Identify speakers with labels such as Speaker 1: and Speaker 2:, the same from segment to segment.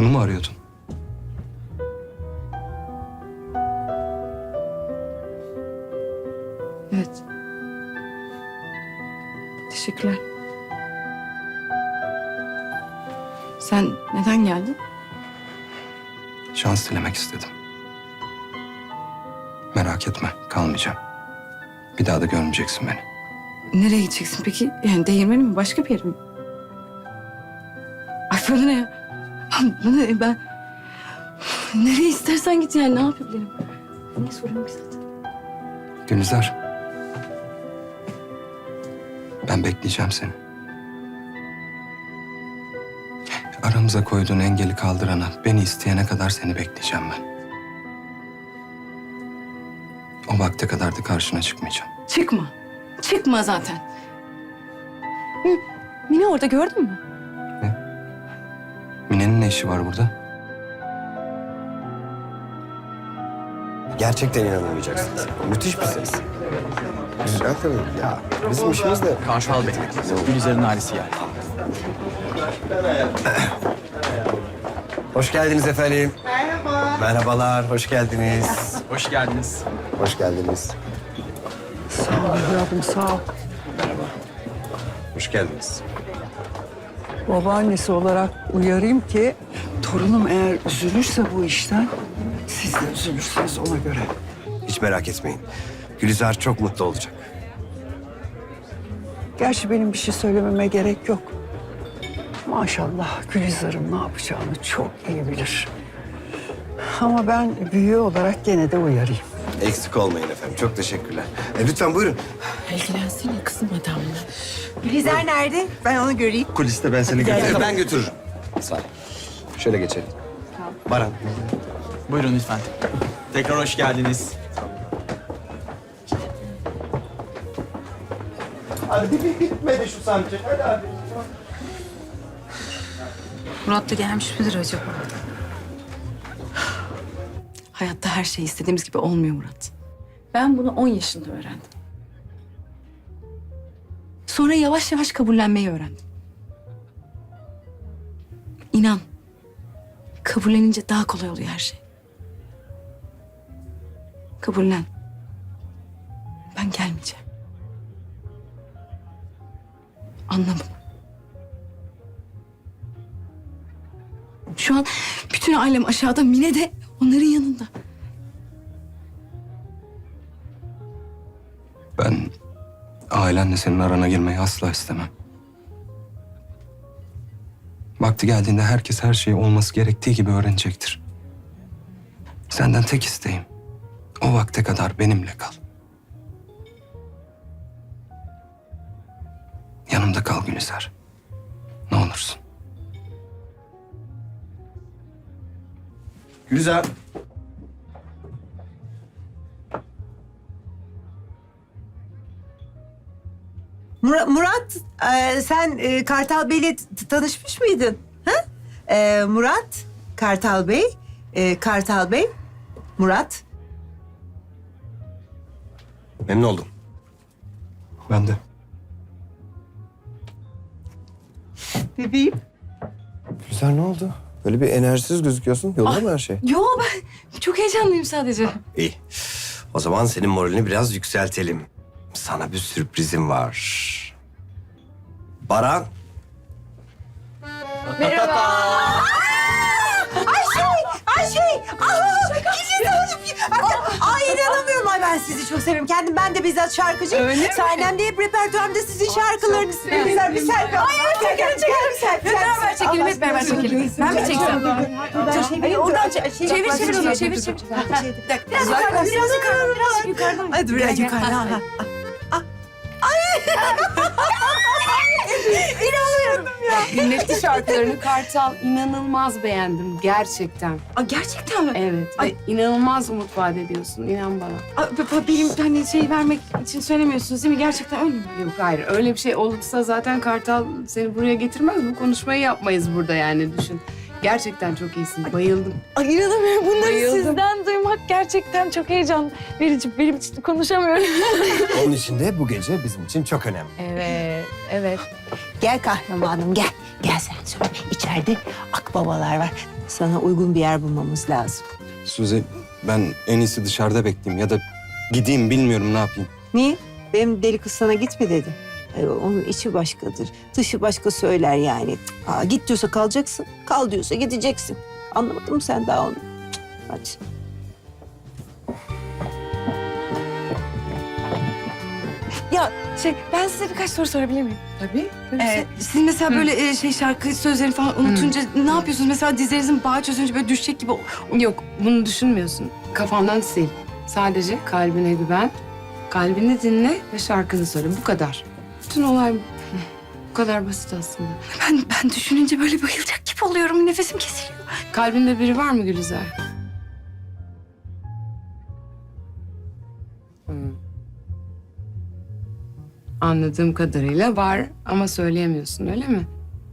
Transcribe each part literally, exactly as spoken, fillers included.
Speaker 1: Bunu mu arıyordun?
Speaker 2: Evet. Teşekkürler. Sen neden geldin?
Speaker 1: Şans dilemek istedim. Merak etme, kalmayacağım. Bir daha da görmeyeceksin beni.
Speaker 2: Nereye gideceksin peki? Yani değirmeni mi? Başka bir yere mi? Ay bana ne ya? Bana ne? Ben... Nereye istersen git yani. Ne yapabilirim? Niye soruyorum ki zaten?
Speaker 1: Gülizar. Ben bekleyeceğim seni. Aramıza koyduğun engeli kaldırana, beni isteyene kadar seni bekleyeceğim ben. O vakte kadar da karşına çıkmayacağım.
Speaker 2: Çıkma. Çıkma zaten. Hı, Mine orada gördün mü?
Speaker 1: Mine'nin ne işi var burada?
Speaker 3: Gerçekten inanamayacaksınız. Müthiş bir ses. Güzel tabii. Ya bizim işimiz de...
Speaker 4: Kartal Bey, Gülizar'ın ailesi yani.
Speaker 3: Hoş geldiniz efendim. Merhaba. Merhabalar, hoş geldiniz.
Speaker 4: Hoş geldiniz.
Speaker 3: Hoş geldiniz.
Speaker 5: Sağ ol evladım, sağ ol.
Speaker 3: Hoş geldiniz.
Speaker 5: Babaannesi olarak uyarayım ki torunum eğer üzülürse bu işten siz de üzülürsünüz ona göre.
Speaker 3: Hiç merak etmeyin. Gülizar çok mutlu olacak.
Speaker 5: Gerçi benim bir şey söylememe gerek yok. Maşallah Gülizar'ın ne yapacağını çok iyi bilir. Ama ben büyüğü olarak gene de uyarayım.
Speaker 3: Eksik olmayın efendim. Çok teşekkürler. E, lütfen buyurun.
Speaker 6: İlgilensene kızım adamla.
Speaker 7: Gülizar nerede? Ben onu göreyim.
Speaker 3: Kuliste ben seni götürürüm. Ben götürürüm. Sağ ol. Şöyle geçelim. Baran.
Speaker 4: Buyurun lütfen. Tekrar hoş geldiniz.
Speaker 3: Hadi bir bitmedi şu sancı. Hadi abi.
Speaker 6: Murat da gelmiş midir acaba?
Speaker 2: Hayatta her şey istediğimiz gibi olmuyor Murat. Ben bunu on yaşında öğrendim. Sonra yavaş yavaş kabullenmeyi öğrendim. İnan. Kabullenince daha kolay oluyor her şey. Kabullen. Ben gelmeyeceğim. Anla bunu. Şu an bütün ailem aşağıda, Mine de onların yanında.
Speaker 1: Ben ailenle senin arana girmeyi asla istemem. Vakti geldiğinde herkes her şeyi olması gerektiği gibi öğrenecektir. Senden tek isteğim, o vakte kadar benimle kal. Yanımda kal Gülizar. Ne olursun.
Speaker 3: Gülizar.
Speaker 7: Murat, Murat e, sen e, Kartal Bey'le t- tanışmış mıydın? Ha? E, Murat, Kartal Bey, e, Kartal Bey, Murat.
Speaker 3: Memnun oldum.
Speaker 1: Ben de.
Speaker 7: Bebeğim.
Speaker 3: Gülizar ne oldu? Böyle bir enerjisiz gözüküyorsun. Yolunda mı her şey?
Speaker 2: Yo ben çok heyecanlıyım sadece.
Speaker 3: İyi. O zaman senin moralini biraz yükseltelim. Sana bir sürprizim var. Baran.
Speaker 7: Ay şey, aa, Gülizar Hanım. Ay inanamıyorum. Ay ben sizi çok seviyorum. Kendim ben de bizzat şarkıcıyım. Öyle mi? Sahnemde hep repertuarımda sizin şarkılarınız. Gülizar bir selfie. Ay evet çekelim çekelim bir selfie.
Speaker 2: Hep beraber çekelim, hep beraber çekelim. Ben mi çeksem?
Speaker 7: Hayır oradan çevir
Speaker 2: Çevir, çevir onu, çevir, çevir.
Speaker 7: Biraz yukarıdan, biraz yukarıdan, biraz yukarıdan. Hadi biraz yukarıdan. Ha, ha.
Speaker 6: Dinletti şarkılarını Kartal. İnanılmaz beğendim gerçekten.
Speaker 2: Aa, gerçekten mi?
Speaker 6: Evet.
Speaker 2: Ay.
Speaker 6: Ve inanılmaz umut vaat ediyorsun. İnan bana.
Speaker 2: Aa, b- b- benim hani şey vermek için söylemiyorsunuz değil mi? Gerçekten öyle mi?
Speaker 6: Yok hayır. Öyle bir şey olursa zaten Kartal seni buraya getirmez. Bu konuşmayı yapmayız burada yani düşün. Gerçekten çok iyisin. Bayıldım.
Speaker 2: Ay inanamıyorum. Bunları
Speaker 6: Bayıldım.
Speaker 2: sizden duymak gerçekten çok heyecan verici. Benim için konuşamıyorum.
Speaker 3: Onun için de bu gece bizim için çok önemli.
Speaker 6: Evet, evet.
Speaker 7: Gel kahramanım gel. Gel sen söyle. İçeride akbabalar var. Sana uygun bir yer bulmamız lazım.
Speaker 1: Suzi, ben en iyisi dışarıda bekleyeyim ya da gideyim, bilmiyorum ne yapayım.
Speaker 7: Niye? Benim deli kız sana gitme dedi. Ay, onun içi başkadır. Dışı başka söyler yani. Aa, git diyorsa kalacaksın. Kal diyorsa gideceksin. Anlamadın mı sen daha onu? Cık, hadi.
Speaker 2: Ya şey ben size birkaç soru sorabilir miyim?
Speaker 6: Tabii. tabii.
Speaker 2: Ee, siz mesela böyle e, şey şarkı sözlerini falan unutunca ne yapıyorsunuz? Mesela dizlerinizin bağı çözünce böyle düşecek gibi.
Speaker 6: Yok, bunu düşünmüyorsun. Kafamdan sil. Sadece kalbine güven, kalbini dinle ve şarkını söyle. Bu kadar. Bütün olay bu. Bu kadar basit aslında.
Speaker 2: Ben ben düşününce böyle bayılacak gibi oluyorum. Nefesim kesiliyor.
Speaker 6: Kalbinde biri var mı Gülizar? Hmm. Anladığım kadarıyla var ama söyleyemiyorsun, öyle mi?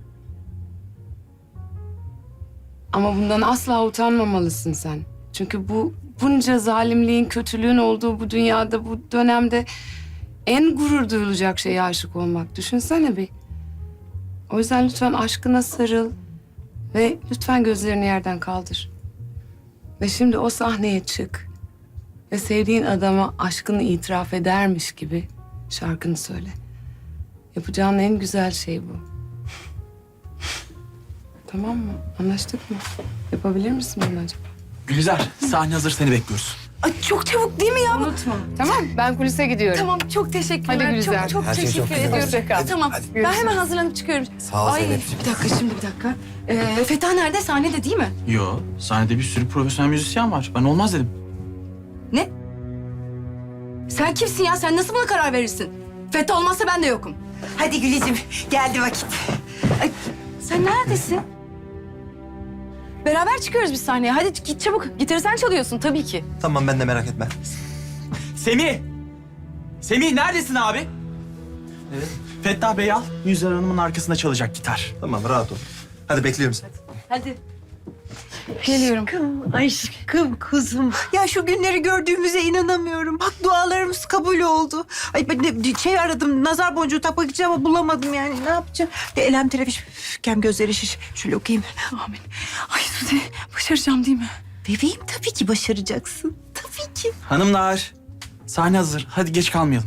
Speaker 6: Ama bundan asla utanmamalısın sen. Çünkü bu bunca zalimliğin, kötülüğün olduğu bu dünyada, bu dönemde en gurur duyulacak şeye aşık olmak. Düşünsene bir. O yüzden lütfen aşkına sarıl ve lütfen gözlerini yerden kaldır. Ve şimdi o sahneye çık ve sevdiğin adama aşkını itiraf edermiş gibi şarkını söyle. Yapacağın en güzel şey bu. Tamam mı? Anlaştık mı? Yapabilir misin bunu acaba?
Speaker 4: Gülizar, sahne hazır, seni bekliyoruz.
Speaker 2: Ay çok çabuk değil mi ya? bu?
Speaker 6: Unutma. Tamam, ben kulise gidiyorum.
Speaker 2: Tamam çok teşekkürler.
Speaker 6: Hadi Gülizar.
Speaker 2: Çok çok
Speaker 3: Her şey
Speaker 2: teşekkür
Speaker 3: çok güzel
Speaker 2: ediyorum.
Speaker 3: olsun. Hadi,
Speaker 2: Tamam
Speaker 3: hadi.
Speaker 2: ben hemen hazırlanıp çıkıyorum.
Speaker 3: Sağ ol
Speaker 2: Ay,
Speaker 3: Zeynep'ciğim.
Speaker 2: bir dakika şimdi bir dakika. Ee, Feta nerede? Sahnede değil mi?
Speaker 4: Yo, sahnede bir sürü profesyonel müzisyen var. Ben olmaz dedim.
Speaker 2: Ne? Sen kimsin ya? Sen nasıl buna karar verirsin? Feta olmazsa ben de yokum.
Speaker 7: Hadi Gülizim geldi vakit.
Speaker 2: Ay, sen neredesin? Beraber çıkıyoruz biz sahneye. Hadi git çabuk. Gitarı sen çalıyorsun tabii ki.
Speaker 8: Tamam ben de merak etme.
Speaker 4: Semih! Semih neredesin abi? Evet. Fettah Bey al, Yüzler Hanım'ın arkasında çalacak gitar.
Speaker 8: Tamam rahat ol. Hadi bekliyorum seni.
Speaker 2: Hadi. Geliyorum.
Speaker 7: Aşkım kuzum. Ya şu günleri gördüğümüze inanamıyorum. Bak dualarımız kabul oldu. Ay ben de şey aradım, nazar boncuğu takmak için ama bulamadım yani. Ne yapacağım? De elem terefiş, kem gözleri şiş. Şöyle okuyayım.
Speaker 2: Amin. Ay Suzi başaracağım değil mi?
Speaker 7: Bebeğim tabii ki başaracaksın. Tabii ki.
Speaker 4: Hanımlar, sahne hazır. Hadi geç kalmayalım.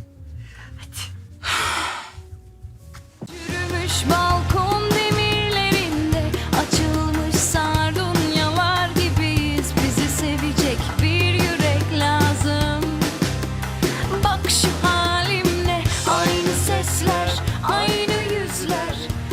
Speaker 9: Yürümüş balkon demirlerinde açılmış sardunyalar gibiyiz. Bizi sevecek bir yürek lazım. Bak şu halimle aynı sesler, aynı yüzler.